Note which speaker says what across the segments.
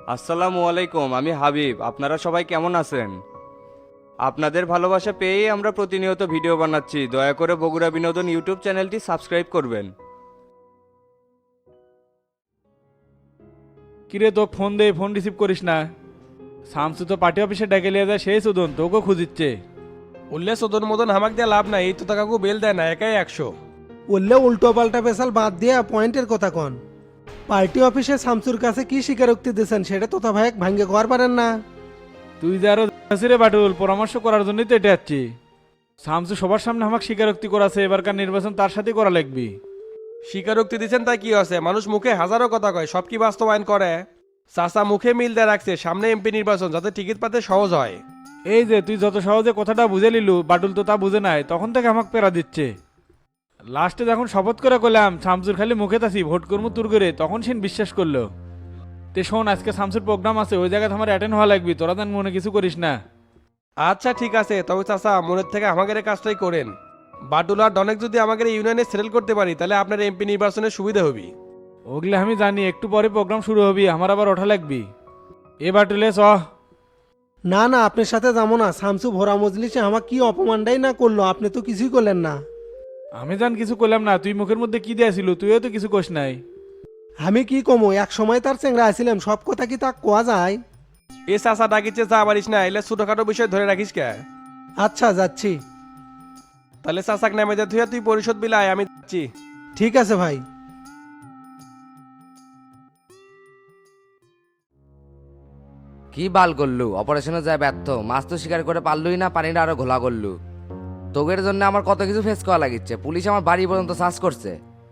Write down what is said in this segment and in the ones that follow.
Speaker 1: আসসালামু আলাইকুম, আমি হাবিব। আপনারা সবাই কেমন আছেন? আপনাদের ভালোবাসা পেয়েই আমরা প্রতিনিয়ত ভিডিও বানাচ্ছি। দয়া করে বগুড়া বিনোদন ইউটিউব চ্যানেলটি সাবস্ক্রাইব করবেন।
Speaker 2: কিরে তো ফোন দে, ফোন রিসিভ করিস না। শামসু তো পার্টি অফিসে ডেকে লিয়ে যায়, সেই সুদন তোকেও খুঁজিচ্ছে।
Speaker 3: উল্লে সদন মদন হামাক দিয়ে লাভ নাই, এই তো কাকু বেল দেয় না, একাই 100।
Speaker 4: বললে উল্টো পাল্টা পেশাল বাদ দিয়ে পয়েন্টের কথা কন। পার্টি অফিসে শামসুর কাছে কি স্বীকারোক্তি দিয়েছেন সেটা তোতা ভাইক ভাঙ্গে কর পারেন না।
Speaker 2: তুই যে আরো রে বাটুল, পরামর্শ করার জন্যই তো এটা যাচ্ছি। শামসু সবার সামনে আমাকে স্বীকারোক্তি করাছে, এবারকার নির্বাচন তার সাথে করা লাগবি।
Speaker 3: স্বীকারোক্তি দিচ্ছেন তাই কি আছে? মানুষ মুখে হাজারো কথা কয়, সব কি বাস্তবায়ন করে? চাচা মুখে মিল দিয়ে রাখছে সামনে এমপি নির্বাচন, যাতে টিকিট পাতে সহজ হয়।
Speaker 2: এই যে তুই যত সহজে কথাটা বুঝে লিলু, বাটুল তো তা বুঝে নাই, তখন থেকে আমাকে পেরা দিচ্ছে। লাস্টে যখন শপথ করে কইলাম শামসুর খালি মুখে তাসি ভোট করবো তুর করে, তখন সে বিশ্বাস করলো। তে শোন, আজকে শামসুর প্রোগ্রাম আছে, ওই জায়গায় আমার অ্যাটেন্ড হওয়া লাগবি, তোরা যেন মনে কিছু করিস না।
Speaker 3: আচ্ছা ঠিক আছে, তবে চাচা মনের থেকে আমাদের এই কাজটাই করেন। বাটুল আর ডনেক যদি আমাদের ইউনিয়নে সেটেল করতে পারি, তাহলে আপনার এমপি নির্বাচনের সুবিধা হবে।
Speaker 2: ওগুলো আমি জানি, একটু পরে প্রোগ্রাম শুরু হবি, আমার আবার ওঠা লাগবি। এ বাটুলে চ।
Speaker 4: না না, আপনার সাথে যাবো না। শামসু ভোরা মজলিসে আমার কি অপমানটাই না করলো, আপনি তো কিছুই করলেন না।
Speaker 2: আমি জান কিছু করলাম না, তুই মুখের মধ্যে কি দিয়েছিল, তুইও তো কিছু কোস নাই।
Speaker 4: আমি কি কমো, এক সময় তার চেংরা আসছিলাম, সব কথা কি তা কোয়া যায়?
Speaker 3: এ চাচা ডাকিচ্ছে চা পারিস না, এলে ছোটখাটো বিষয় ধরে রাখিস কে?
Speaker 4: আচ্ছা যাচ্ছি।
Speaker 3: তাহলে চাচাক নামে যা, তুই পরিশোধ বিলায়, আমি যাচ্ছি।
Speaker 4: ঠিক আছে ভাই।
Speaker 5: কি বাল করলু? অপারেশনে যায় ব্যর্থ, মাছ তো শিকার করে পারলুই না, পানিটা আরো ঘোলা করলু। তোগের জন্য আমার কত কিছু ফেস করা লাগিচ্ছে, পুলিশ আমার বাড়ি পর্যন্ত সার্চ করছে।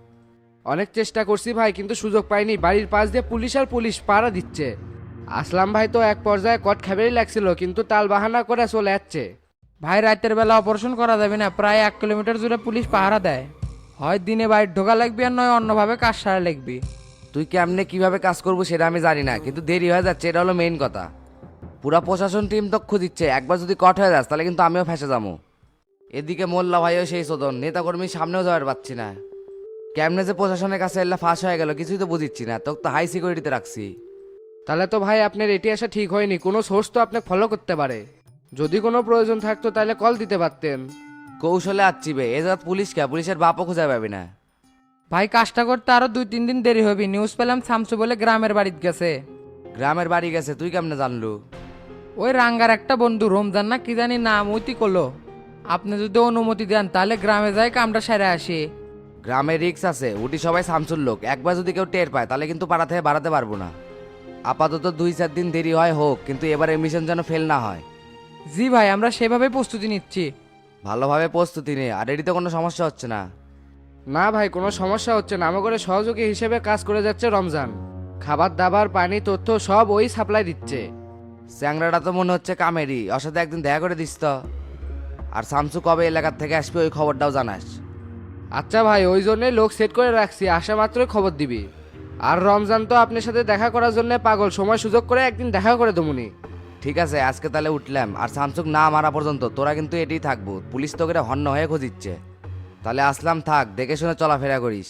Speaker 6: অনেক চেষ্টা করছি ভাই, কিন্তু সুযোগ পাইনি। বাড়ির পাশ দিয়ে পুলিশ আর পুলিশ পাহারা দিচ্ছে। আসলাম ভাই তো এক পর্যায়ে কট খাবেই লাগছিল, কিন্তু তাল বাহানা করে চলে যাচ্ছে। ভাই রাতের বেলা অপারেশন করা যাবে না, প্রায় 1 কিলোমিটার জুড়ে পুলিশ পাহারা দেয়। হয় দিনে বাইরে ঢোকা লাগবে, আর নয় অন্যভাবে কাজ সারা লাগবে।
Speaker 5: তুই কেমনে কিভাবে কাজ করবো সেটা আমি জানি না, কিন্তু দেরি হয়ে যাচ্ছে, এটা হলো মেইন কথা। পুরা প্রশাসন টিম তো খুঁজিচ্ছে, একবার যদি কট হয়ে যাস তাহলে কিন্তু আমিও ফেসে যাবো। এদিকে মোল্লা ভাইও সেই শোধন, নেতাকর্মীর সামনেও যাওয়ার পাচ্ছি না। কেমনে যে প্রশাসনের কাছে এল্লা ফাঁস হয়ে গেল কিছুই তো বুঝিচ্ছি না, তোকে তো হাই সিকিউরিটিতে রাখছি।
Speaker 6: তাহলে তো ভাই আপনার এটি আসা ঠিক হয়নি, কোনো সোর্স তো আপনাকে ফলো করতে পারে। যদি কোনো প্রয়োজন থাকতো তাহলে কল দিতে পারতেন।
Speaker 5: কৌশলে আচ্ছিবে এ জাত পুলিশকে, পুলিশের বাপও খুঁজে পাবি না।
Speaker 6: ভাই কাজটা করতে আরো 2-3 দিন দেরি হবে। নিউজ পেলাম শামসু বলে গ্রামের বাড়িতে গেছে।
Speaker 5: গ্রামের বাড়ি গেছে, তুই কেমনে জানলু?
Speaker 6: ওই রাঙ্গার একটা বন্ধু রমজান না কি জানি নাম, ওইটি করলো। আপনি যদি অনুমতি দেন তাহলে গ্রামে যাই কামটা সেরে আসি।
Speaker 5: গ্রামে রিক্স আছে, উটি সবাই সামসুর লোক, একবার যদি কেউ টের পায় তাহলে কিন্তু পাড়া থেকে বাড়াতে পারবো না। আপাতত 2-4 দিন দেরি হয় হোক, কিন্তু এবারে মিশন যেন ফেল না হয়।
Speaker 6: জি ভাই, আমরা সেভাবে প্রস্তুতি নিচ্ছি।
Speaker 5: ভালোভাবে প্রস্তুতি নে, আর এটিতে কোনো সমস্যা হচ্ছে না।
Speaker 6: না ভাই, কোনো সমস্যা হচ্ছে না। আমাকে সহযোগী হিসেবে কাজ করে যাচ্ছে রমজান। খাবার দাবার পানি তথ্য সব ওই সাপ্লাই দিচ্ছে।
Speaker 5: চ্যাংরাটা তো মনে হচ্ছে কামেরই, ওর সাথে একদিন দেখা করে দিস তো। আর শামসু কবে এলাকার থেকে আসবে ওই খবরটাও জানাস।
Speaker 6: আচ্ছা ভাই, ওই জন্যই লোক সেট করে রাখছি, আসা মাত্রই খবর দিবি। আর রমজান তো আপনার সাথে দেখা করার জন্য পাগল, সময় সুযোগ করে একদিন দেখা করে দেবুনি।
Speaker 5: ঠিক আছে, আজকে তাহলে উঠলাম। আর শামসুক না মারা পর্যন্ত তোরা কিন্তু এটাই থাকবো, পুলিশ তোকে হন্য হয়ে খুঁজিচ্ছে। তাহলে আসলাম, থাক, দেখে শুনে চলাফেরা করিস।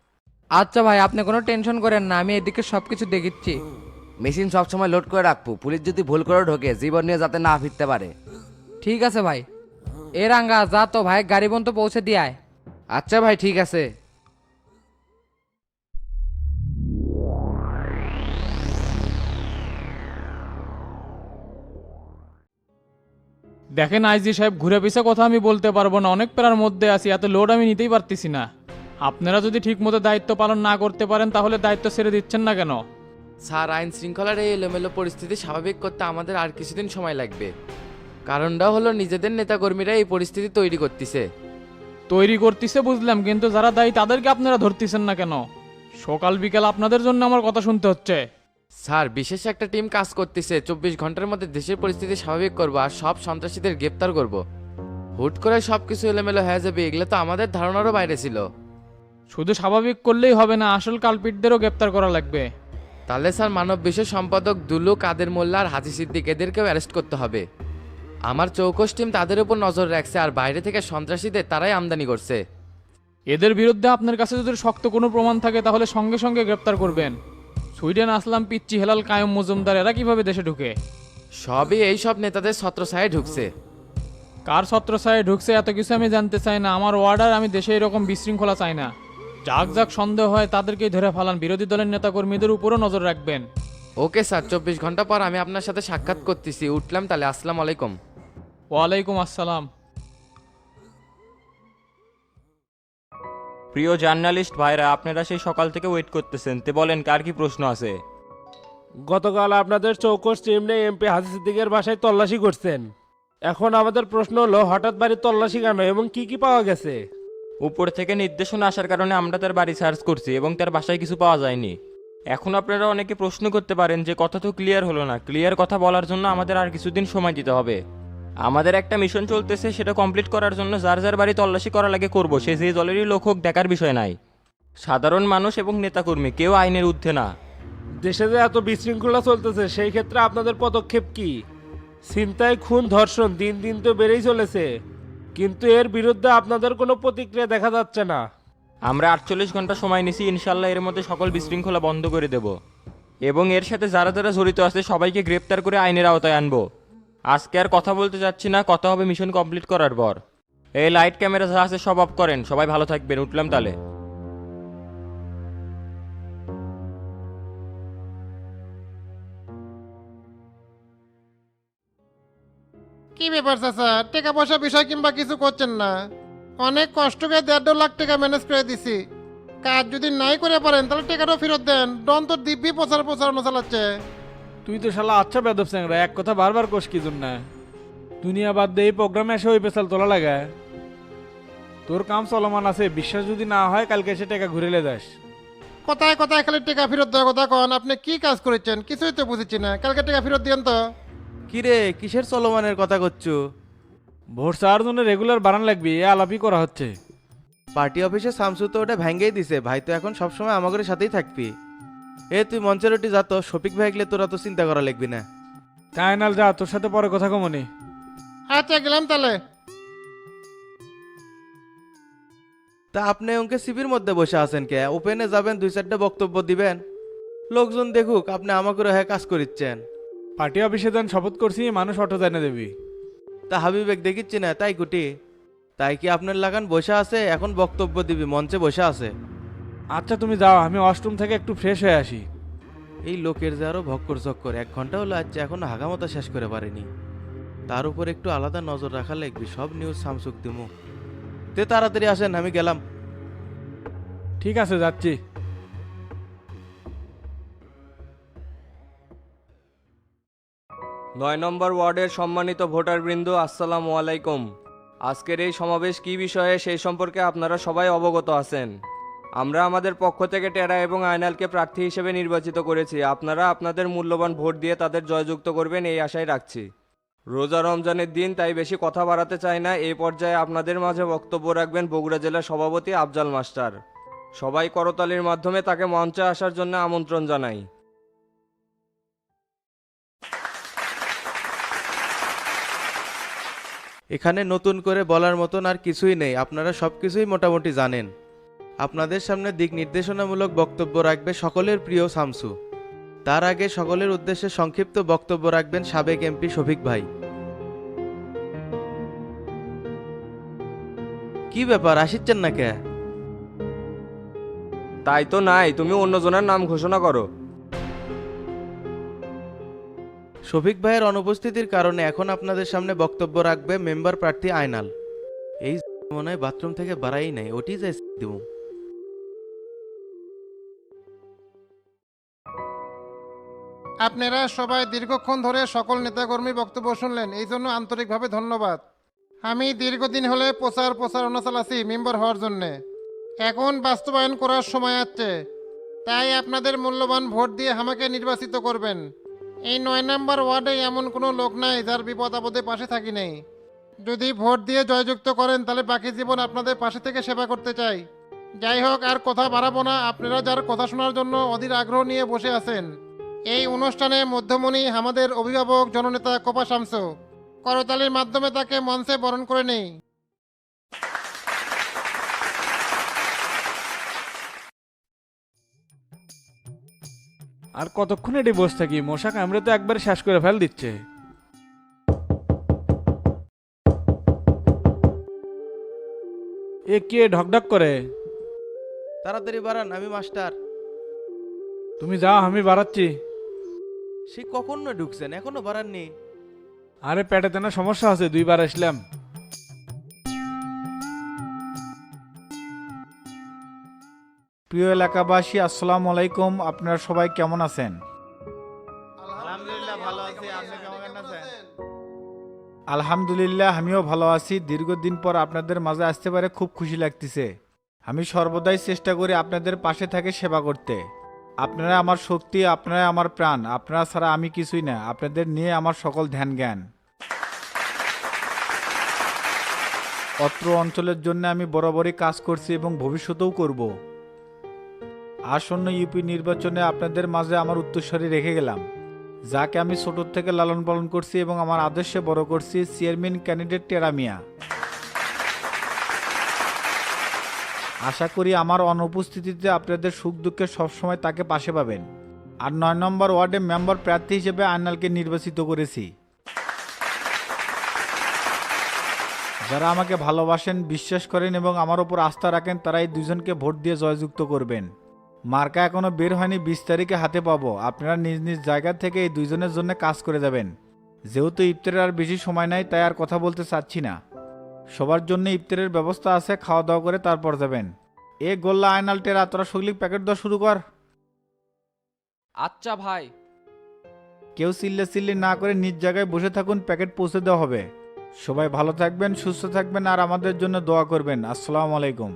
Speaker 6: আচ্ছা ভাই, আপনি কোনো টেনশন করেন না, আমি এদিকে সব কিছু দেখিচ্ছি।
Speaker 5: মেশিন সবসময় লোড করে রাখবো, পুলিশ যদি ভুল করে ঢোকে জীবন নিয়ে যাতে না ফিরতে পারে।
Speaker 6: ঠিক আছে ভাই। এ রাঙ্গা যা তো ভাই, গাড়ি পর্যন্ত পৌঁছে দিয়ে আয়। আচ্ছা ভাই, ঠিক আছে।
Speaker 2: দেখেন আইজি সাহেব, ঘুরে পিছে কথা আমি বলতে পারবো না, অনেক প্যারার মধ্যে আছি, এত লোড আমি নিতেই পারতেছি না। আপনারা যদি ঠিক মতো দায়িত্ব পালন না করতে পারেন তাহলে দায়িত্ব ছেড়ে দিচ্ছেন না কেন?
Speaker 7: স্যার, আইন শৃঙ্খলার এই এলোমেলো পরিস্থিতি স্বাভাবিক করতে আমাদের আর কিছুদিন সময় লাগবে। কারণটা হলো নিজেদের নেতাকর্মীরা এই পরিস্থিতি তৈরি করতেছে।
Speaker 2: তৈরি করতেছে বুঝলাম, কিন্তু যারা দায়ী তাদেরকে আপনারা ধরতেছেন না কেন? সকাল বিকাল আপনাদের জন্য আমার কথা শুনতে হচ্ছে।
Speaker 7: স্যার, বিশেষ একটা টিম কাজ করতেছে, 24 ঘন্টার মধ্যে দেশের পরিস্থিতি স্বাভাবিক করবো আর সব সন্ত্রাসীদের গ্রেপ্তার করব। হুট করে সব কিছু এলোমেলো হয়ে যাবে, এগুলো তো আমাদের ধারণারও বাইরে ছিল।
Speaker 2: শুধু স্বাভাবিক করলেই হবে না, আসল কালপিটদেরও গ্রেপ্তার করা লাগবে।
Speaker 7: তাহলে স্যার মানব বিষয় সম্পাদক দুলু, কাদের মোল্লা আর হাজি সিদ্দিক এদেরকেও অ্যারেস্ট করতে হবে। আমার চৌকস টিম তাদের উপর নজর রাখছে, আর বাইরে থেকে সন্ত্রাসীদের তারাই আমদানি করছে।
Speaker 2: এদের বিরুদ্ধে আপনার কাছে যদি শক্ত কোনো প্রমাণ থাকে তাহলে সঙ্গে সঙ্গে গ্রেপ্তার করবেন।
Speaker 8: সুইডেন আসলাম পিচ্চি হেলাল কায়ম মজুমদার এরা কিভাবে দেশে ঢুকে?
Speaker 7: সবই এই সব নেতাদের ছত্রছায়ায় ঢুকছে।
Speaker 8: কার ছত্রছায়ায় ঢুকছে এত কিছু আমি জানতে চাই না। আমার অর্ডার, আমি দেশে এরকম বিশৃঙ্খলা চাই না। যাক যাক সন্দেহ হয় তাদেরকেই ধরে ফালান, বিরোধী দলের নেতাকর্মীদের উপরও নজর রাখবেন।
Speaker 7: ওকে স্যার, 24 ঘন্টা পর আমি আপনার সাথে সাক্ষাৎ করতেছি। উঠলাম তাহলে, আসসালামু আলাইকুম।
Speaker 8: ওয়ালাইকুম আসসালাম।
Speaker 9: প্রিয় জার্নালিস্ট ভাইরা, আপনারা সেই সকাল থেকে ওয়েট করতেছেন, তে বলেন কার কি প্রশ্ন আছে?
Speaker 10: গতকাল আপনাদের চৌকস চিমনে এমপি হাজি সিদ্দিকের বাসায় তল্লাশি করছেন। এখন আমাদের প্রশ্ন হলো হঠাৎ বাড়ির তল্লাশি কেন এবং কি কি পাওয়া গেছে?
Speaker 9: উপর থেকে নির্দেশনা আসার কারণে আমরা তার বাড়ি সার্চ করছি এবং তার বাসায় কিছু পাওয়া যায়নি। এখন আপনারা অনেকে প্রশ্ন করতে পারেন যে কথা তো ক্লিয়ার হলো না। ক্লিয়ার কথা বলার জন্য আমাদের আর কিছুদিন সময় দিতে হবে। আমাদের একটা মিশন চলতেছে, সেটা কমপ্লিট করার জন্য যার যার বাড়ি তল্লাশি করা লাগে করবো, সে যে দলেরই লোক হোক দেখার বিষয় নাই। সাধারণ মানুষ এবং নেতাকর্মী কেউ আইনের ঊর্ধ্বে না।
Speaker 10: দেশে যে এত বিশৃঙ্খলা চলতেছে সেই ক্ষেত্রে আপনাদের পদক্ষেপ কি? ছিনতাই, খুন, ধর্ষণ দিন দিন তো বেড়েই চলেছে, কিন্তু এর বিরুদ্ধে আপনাদের কোনো প্রতিক্রিয়া দেখা যাচ্ছে না।
Speaker 9: আমরা 48 ঘন্টা সময় নিছি, ইনশাল্লাহ এর মধ্যে সকল বিশৃঙ্খলা বন্ধ করে দেব এবং এর সাথে যারা যারা জড়িত আছে সবাইকে গ্রেপ্তার করে আইনের আওতায় আনবো। আজকে আর কথা বলতে যাচ্ছি না, কথা হবে মিশন কমপ্লিট করার পর। এই লাইট ক্যামেরা যা আছে সব অফ করেন, সবাই ভালো থাকবেন। উঠলাম তাহলে।
Speaker 11: কি ব্যাপার চাচা, টাকা পয়সা বিষয় কিংবা কিছু করছেন না? অনেক কষ্ট করে 1.5 লাখ টাকা ম্যানেজ করে দিছি। কাজ যদি নাই করে পারেন তাহলে টাকাটাও ফেরত দেন। ডন তো দিব্যি প্রচারণা চালাচ্ছে।
Speaker 2: তুই তো শালা আচ্ছা বেদব স্যাংরা, এক কথা বারবার কোষ কি জন্য? দুনিয়া বাদ দিয়ে এই প্রোগ্রামে এসে ওই পেশাল তোলা লাগে। তোর কাম চলমান আছে, বিশ্বাস যদি না হয় কালকে এসে টাকা ঘুরেলে যাস।
Speaker 11: কোথায় কোথায় খালি টাকা ফেরত দেওয়ার কথা কন। আপনি কি কাজ করেছেন কিছুই তো বুঝেছি না। কালকে টাকা ফেরত দিয়েন তো।
Speaker 12: কিরে, কিসের চলমানের কথা করছো?
Speaker 2: ভোট চাওয়ার জন্য রেগুলার বাড়ান লাগবে, এ আলাপই করা হচ্ছে।
Speaker 12: পার্টি অফিসে শামসু তো ওটা ভেঙ্গেই দিছে, ভাই তো এখন সবসময় আমাদের সাথেই থাকবি। তুই মঞ্চের ওটি যা তো, শফিক ভাই গেলে তোরা তো চিন্তা করা লাগবি না।
Speaker 2: কায়নাল যা, তোর সাথে পরে কথা কমনি।
Speaker 11: আচ্ছা গেলাম তাহলে।
Speaker 12: তা আপনি ওকে সিবির মধ্যে বসে আছেন কে? ওপেনে যাবেন, 2-4টা বক্তব্য দিবেন, লোকজন দেখুক আপনি আমাকে হ্যাঁ কাজ করিচ্ছেন।
Speaker 2: পার্টি অফিসে যান, শপথ করছি মানুষ অটো জানে দেবি।
Speaker 12: তা হাবিবেক দেখিচ্ছি না, তাই কুটি? তাই কি আপনার লাগান বসে আছে, এখন বক্তব্য দিবি, মঞ্চে বসে আছে।
Speaker 2: আচ্ছা তুমি যাও, আমি ওয়াশরুম থেকে একটু ফ্রেশ হয়ে আসি।
Speaker 12: এই লোকের যে আরো ভক্কর চক্কর, 1 ঘন্টা হলো আজ এখনো হাগামতা শেষ করে পারেনি। তার উপর একটু আলাদা নজর রাখা লাগবে, সব নিউজ সামসুক দিমু। তে তাড়াতাড়ি আসেন, আমি গেলাম।
Speaker 2: ঠিক আছে, যাচ্ছি।
Speaker 1: 9 নম্বর ওয়ার্ডের সম্মানিত ভোটারবৃন্দ, আসসালামু আলাইকুম। আজকের এই সমাবেশ কী বিষয়ে সেই সম্পর্কে আপনারা সবাই অবগত আছেন। আমরা আমাদের পক্ষ থেকে টেরা এবং আয়নালকে প্রার্থী হিসেবে নির্বাচিত করেছি। আপনারা আপনাদের মূল্যবান ভোট দিয়ে তাদের জয়যুক্ত করবেন এই আশায় রাখছি। রোজা রমজানের দিন, তাই বেশি কথা বাড়াতে চাই না। এই পর্যায়ে আপনাদের মাঝে বক্তব্য রাখবেন বগুড়া জেলা সভাপতি আফজাল মাস্টার। সবাই করতালির মাধ্যমে তাকে মঞ্চে আসার জন্য আমন্ত্রণ জানাই।
Speaker 12: এখানে নতুন করে বলার মতন আর কিছুই নেই, আপনারা সব কিছুই মোটামুটি জানেন। আপনাদের সামনে দিক নির্দেশনামূলক বক্তব্য রাখবে সকলের প্রিয় শামসু। তার আগে সকলের উদ্দেশ্যে সংক্ষিপ্ত বক্তব্য রাখবেন সাবেক এমপি শফিক ভাই। কি ব্যাপার, আসিচ্ছেন না কে?
Speaker 1: তাই তো নাই, তুমি অন্যজনের নাম ঘোষণা করো।
Speaker 12: শফিক ভাইয়ের অনুপস্থিতির কারণে এখন আপনাদের সামনে বক্তব্য রাখবে মেম্বার প্রার্থী আয়নাল। এই মনে হয় বাথরুম থেকে বাড়াই নাই, ওটি যাই দিব।
Speaker 11: আপনারা সবাই দীর্ঘক্ষণ ধরে সকল নেতাকর্মী বক্তব্য শুনলেন, এই জন্য আন্তরিকভাবে ধন্যবাদ। আমি দীর্ঘদিন হলে প্রচারণা চালাচ্ছি মেম্বার হওয়ার জন্যে। এখন বাস্তবায়ন করার সময় আসছে, তাই আপনাদের মূল্যবান ভোট দিয়ে আমাকে নির্বাচিত করবেন। এই 9 নম্বর ওয়ার্ডে এমন কোনো লোক নাই যার বিপদ আপদে পাশে থাকি নেই। যদি ভোট দিয়ে জয়যুক্ত করেন তাহলে বাকি জীবন আপনাদের পাশে থেকে সেবা করতে চাই। যাই হোক, আর কথা বাড়াবো না। আপনারা যার কথা শোনার জন্য অধীর আগ্রহ নিয়ে বসে আছেন, এই অনুষ্ঠানে মধ্যমণি আমাদের অভিভাবক জননেতা কোপা শামসু। করতালির মাধ্যমে তাকে মঞ্চে বরণ করে নেই।
Speaker 2: আর কতক্ষণ এটি বসে থাকি, মশা কামড়ে তো একবার শেষ করে ফেল দিচ্ছে। এ কে ঢকঢক করে?
Speaker 12: তাড়াতাড়ি বাড়ান, আমি মাস্টার।
Speaker 2: তুমি যাও, আমি বাড়াচ্ছি।
Speaker 12: সে কখন না ঢুকছেন, এখনো বাড়াননি?
Speaker 2: আরে পেটেতে না সমস্যা আছে, 2বার আসলাম। প্রিয় এলাকাবাসী, আসসালামু আলাইকুম। আপনারা সবাই কেমন আছেন? আলহামদুলিল্লাহ, আমিও ভালো আছি। দীর্ঘদিন পর আপনাদের মাঝে আসতে পারে খুব খুশি লাগতেছে। আমি সর্বদাই চেষ্টা করি আপনাদের পাশে থেকে সেবা করতে। আপনারা আমার শক্তি, আপনারা আমার প্রাণ। আপনারা ছাড়া আমি কিছুই না। আপনাদের নিয়ে আমার সকল ধ্যান জ্ঞান। অত্র অঞ্চলের জন্য আমি বরাবরই কাজ করছি এবং ভবিষ্যতেও করব। আসন্ন ইউপি নির্বাচনে আপনাদের মাঝে আমার উত্তরস্বরী রেখে গেলাম, যাকে আমি ছোট থেকে লালন পালন করছি এবং আমার আদর্শে বড় করছি, চেয়ারম্যান ক্যান্ডিডেট টেরা মিয়া। আশা করি আমার অনুপস্থিতিতে আপনাদের সুখ দুঃখে সবসময় তাকে পাশে পাবেন। আর 9 নম্বর ওয়ার্ডে মেম্বার প্রার্থী হিসেবে আয়নালকে নির্বাচিত করেছি। যারা আমাকে ভালোবাসেন, বিশ্বাস করেন এবং আমার উপর আস্থা রাখেন, তারা এই দুজনকে ভোট দিয়ে জয়যুক্ত করবেন। মার্কা এখনো বের হয়নি, 20 তারিখে হাতে পাবো। আপনারা নিজ নিজ জায়গা থেকে এই দুইজনের জন্য কাজ করে যাবেন। যেহেতু ইফতারের আর বেশি সময় নাই, তাই আর কথা বলতে চাচ্ছি না। সবার জন্য ইফতারের ব্যবস্থা আছে, খাওয়া দাওয়া করে তারপর যাবেন। এ গোল্লা আয়নাল টেরা, তোরা সগলিক প্যাকেট দেওয়া শুরু কর।
Speaker 6: আচ্ছা ভাই।
Speaker 2: কেউ চিল্লি না করে নিজ জায়গায় বসে থাকুন, প্যাকেট পৌঁছে দেওয়া হবে। সবাই ভালো থাকবেন, সুস্থ থাকবেন আর আমাদের জন্য দোয়া করবেন। আসসালামু আলাইকুম।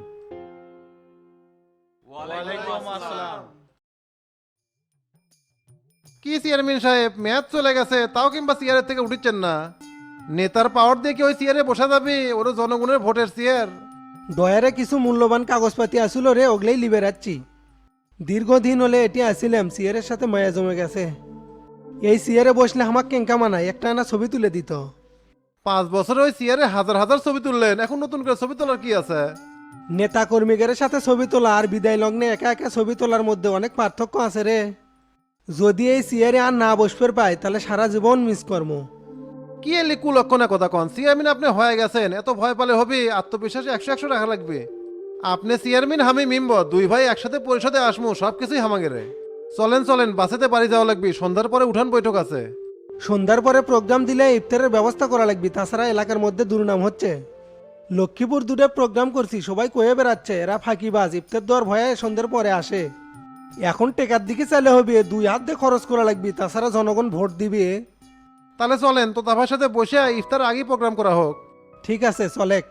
Speaker 11: কি চেয়ারম্যান সাহেব, ম্যাচ চলে গেছে তাও কিংবা চেয়ারের থেকে উঠিচ্ছেন না? নেতার পাওয়ার দিয়ে কি ওই চেয়ারে বসা যাবে? ওরও জনগণের ভোটের চেয়ার।
Speaker 4: ডয়ারে কিছু মূল্যবান কাগজপাতি আসিল রে, ওগলেই লিবে রাখছি। দীর্ঘদিন হলে এটি আসিলাম, সিয়ারের সাথে মায়া জমে গেছে। এই সিয়ারে বসলে আমার কেঙ্কা মানায়, একটা না ছবি তুলে দিত।
Speaker 11: 5 বছর ওই চেয়ারে হাজার হাজার ছবি তুললেন, এখন নতুন করে ছবি তোলার কি আছে?
Speaker 4: নেতা কর্মীদের সাথে ছবি তোলা আর বিদায় লগ্নে একা একা ছবি তোলার মধ্যে অনেক পার্থক্য আছে রে। যদি এই চেয়ারে আর না বসবে পাই, তাহলে সারা জীবন মিস করবো।
Speaker 11: কি এলি কুলক্ষণে কথা কন? চেয়ারম্যান আপনি হয়ে গেছেন, এত ভয় পালে হবে? আত্মবিশ্বাসে 100 রাখা লাগবে। আপনি চেয়ারম্যান, আমি মেম্বার, 2 ভাই একসাথে পরিষদে আসমু, সব কিছুই হামাগেরে। চলেন বাসেতে বাড়ি যাওয়া লাগবে, সন্ধ্যার পরে উঠান বৈঠক আছে।
Speaker 4: সন্ধ্যার পরে প্রোগ্রাম দিলে ইফতারের ব্যবস্থা করা লাগবে, তাছাড়া এলাকার মধ্যে দুর্নাম হচ্ছে। লক্ষ্মীপুর 2টা প্রোগ্রাম করছি, সবাই কয়ে বেড়াচ্ছে এরা ফাঁকিবাজ, ইফতার দেওয়ার ভয়ে সন্ধ্যার পরে আসে। এখন টেকার দিকে চাইলে হবে, 2 হাত দিয়ে খরচ করা লাগবে, তাছাড়া জনগণ ভোট দিবে।
Speaker 11: তাহলে চলেন তো তার সাথে বসে ইফতার আগেই প্রোগ্রাম করা হোক।
Speaker 4: ঠিক আছে, চলেক।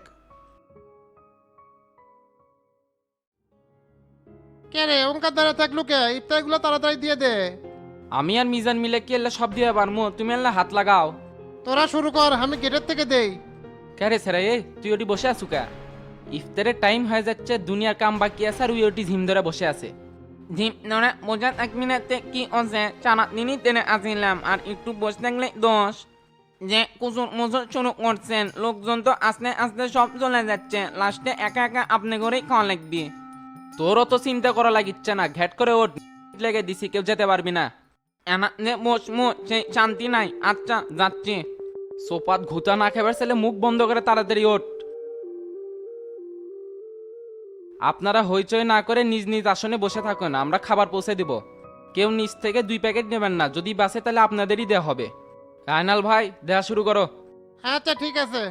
Speaker 11: কে রে ওঙ্কার দ্বারা থাকলো কে? ইফতারগুলো তাড়াতাড়ি দিয়ে দে।
Speaker 6: আমি আর মিজান মিলে কি এলে সব দিয়ে পারমু, তুমি এলে হাত লাগাও।
Speaker 11: তোরা শুরু কর, আমি গেটের থেকে দেই।
Speaker 6: কে সেরা তুই ওটি বসে আছু কা? ইফতারের টাইম হয়ে যাচ্ছে, দুনিয়ার কাম বাকি আছে আর ওই ওটি ঝিম ধরে বসে আছে। ঝিম ধরে বোঝাত 1 মিনিটে কি আছে? চানা নিনি টেনে আসিলাম আর একটু বসে থাকলে দোষ। যে কুচুর মুচুর শুরু করছেন, লোকজন তো আস্তে আস্তে সব চলে যাচ্ছে, লাস্টে একা একা আপনি করেই খাওয়া লাগবে। তোরও তো চিন্তা করা লাগিচ্ছে না, ঘ্যাট করে ওঠ লেগে দিছি, কেউ যেতে পারবি না। এনা বসমু সেই শান্তি নাই। আচ্ছা যাচ্ছি। সোপাত ঘুতা না খেবার ছেলে মুখ বন্ধ করে তাড়াতাড়ি ওঠ। আপনারা হইচই না করে নিজ নিজ আসনে বসে থাকুন, আমরা খাবার পৌঁছে দিব। কেউ নিচ থেকে 2 প্যাকেট নেবেন না, যদি বাসে তাহলে আপনাদেরই দেওয়া হবে। আয়নাল ভাই, দেওয়া শুরু করো।
Speaker 11: আচ্ছা ঠিক আছে।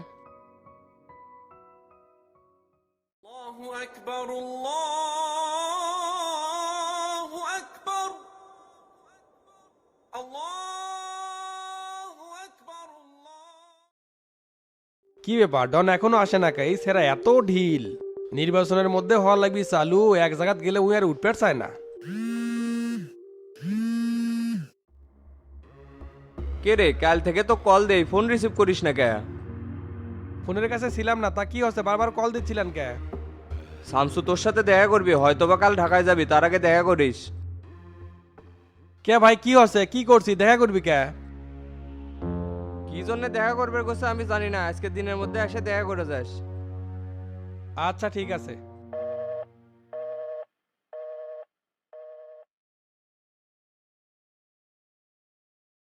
Speaker 3: কি ব্যাপার, ডন এখনো আসে না কে? এই সেরা এত ঢিল। নির্বাচনের মধ্যে হওয়া লাগবি চালু, এক জায়গাত গেলে উই আর উঠপেট চায় না।
Speaker 1: কে রে, কাল থেকে তো কল দেই, ফোন রিসিভ করিস না কে?
Speaker 3: ফোনের কাছে ছিলাম না, তা কি হচ্ছে? বারবার কল দিচ্ছিলেন কে?
Speaker 1: শামসু তোর সাথে দেখা করবি, হয়তোবা কাল ঢাকায় যাবি, তার আগে দেখা করিস।
Speaker 3: কে ভাই, কি হচ্ছে? কি করছি? দেখা করবি কে?
Speaker 1: কি জন্য দেখা করবে কোসে আমি জানি না, আজকে দিনের মধ্যে এসে দেখা করে যাস।
Speaker 3: আচ্ছা ঠিক আছে।